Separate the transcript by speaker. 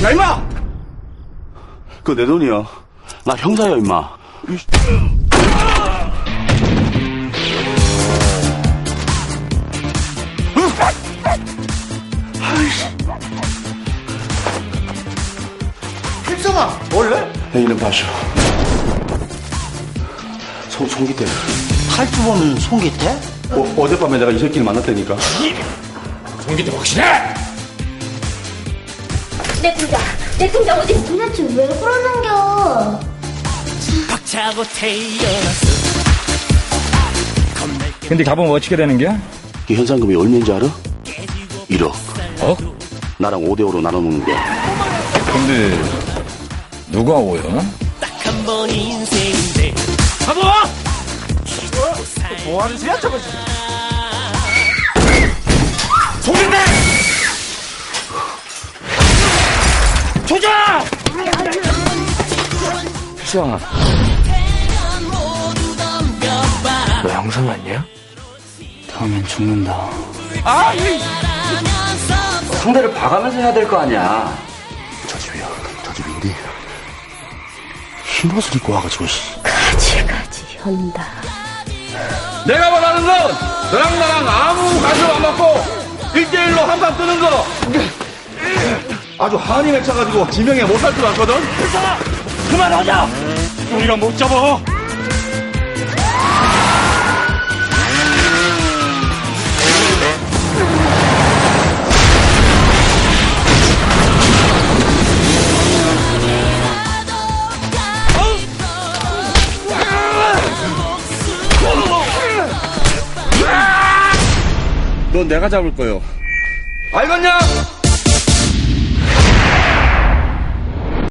Speaker 1: 야, 임마! 그거 내 돈이야. 나 형사야, 임마.
Speaker 2: 필성아, 원래?
Speaker 1: 내 이름 봐쇼. 송기태.
Speaker 2: 탈주 보는 송기태?
Speaker 1: 어젯밤에 내가 이 새끼를 만났다니까.
Speaker 3: 송기태 확실해?
Speaker 4: 내 통장 어디 도대체 왜 그러는겨?
Speaker 5: 박차고 태어났어.
Speaker 3: 근데 가보면 어떻게 되는겨?
Speaker 1: 이 현상금이 얼마인지 알아? 1억.
Speaker 3: 어?
Speaker 1: 나랑 5대5로 나눠놓는 거야.
Speaker 3: 근데 누가 오요?
Speaker 5: 딱 한 번 인생인데.
Speaker 3: 가보!
Speaker 2: 뭐하는 소리야, 저거?
Speaker 3: 송기태! 조자! 필성아, 너 형사 맞냐?
Speaker 1: 다음엔 죽는다.
Speaker 2: 상대를 봐가면서 해야 될 거 아니야.
Speaker 1: 저 집이야. 저 집인데. 흰옷을 입고 와가지고,
Speaker 4: 가지가지 현다.
Speaker 1: 내가 원하는 건 너랑 나랑 아무 관심 안 받고 1대1로 한판 뜨는 거. 아주 한이 맺혀가지고 지명에 못 살 줄 알거든.
Speaker 3: 그만하자! 우리가 못 잡아!
Speaker 1: 넌 내가 잡을 거요. 알겠냐?